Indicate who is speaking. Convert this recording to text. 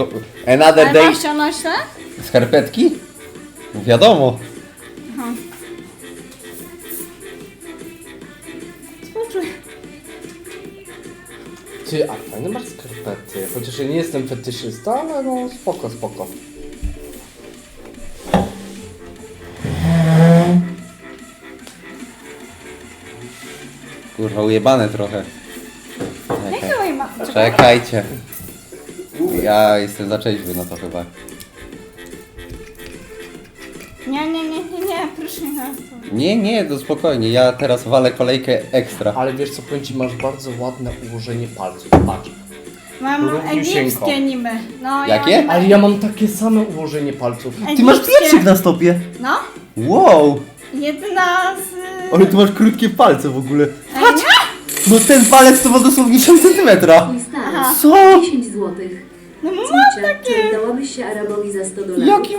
Speaker 1: Another
Speaker 2: Ale
Speaker 1: day.
Speaker 2: masz ściągnąć te?
Speaker 1: Skarpetki? Wiadomo.
Speaker 2: Aha. Współczuję.
Speaker 3: Ty, a fajne masz skarpety. Chociaż ja nie jestem fetyszysta, ale no spoko, spoko.
Speaker 1: Kurwa, ujebane trochę.
Speaker 2: Jakie moje ma...
Speaker 1: Czekajcie. Ja jestem za trzeźwy, no to chyba.
Speaker 2: Nie, proszę nie.
Speaker 1: Nie, to spokojnie. Ja teraz walę kolejkę ekstra.
Speaker 3: Ale wiesz co, powiem ci, masz bardzo ładne ułożenie palców. Patrz.
Speaker 2: Mam
Speaker 3: Równiusieńko.
Speaker 2: egipskie niby. No,
Speaker 1: Jakie?
Speaker 2: Ja mam
Speaker 3: Ale ja mam takie same ułożenie palców.
Speaker 1: Ty masz
Speaker 2: egipskie.
Speaker 1: pieprzyk na stopie.
Speaker 2: No,
Speaker 1: Wow.
Speaker 2: jedna z...
Speaker 1: Ale ty masz krótkie palce w ogóle.
Speaker 2: Ej, nie?
Speaker 1: No ten palec to ma dosłownie 10 centymetra.
Speaker 4: Twój stary.
Speaker 2: Aha.
Speaker 1: Co?
Speaker 4: 10 złotych.
Speaker 2: No mam
Speaker 4: Córcia,
Speaker 2: takie.
Speaker 4: czy dałabyś się Arabowi za $100?
Speaker 1: Jaki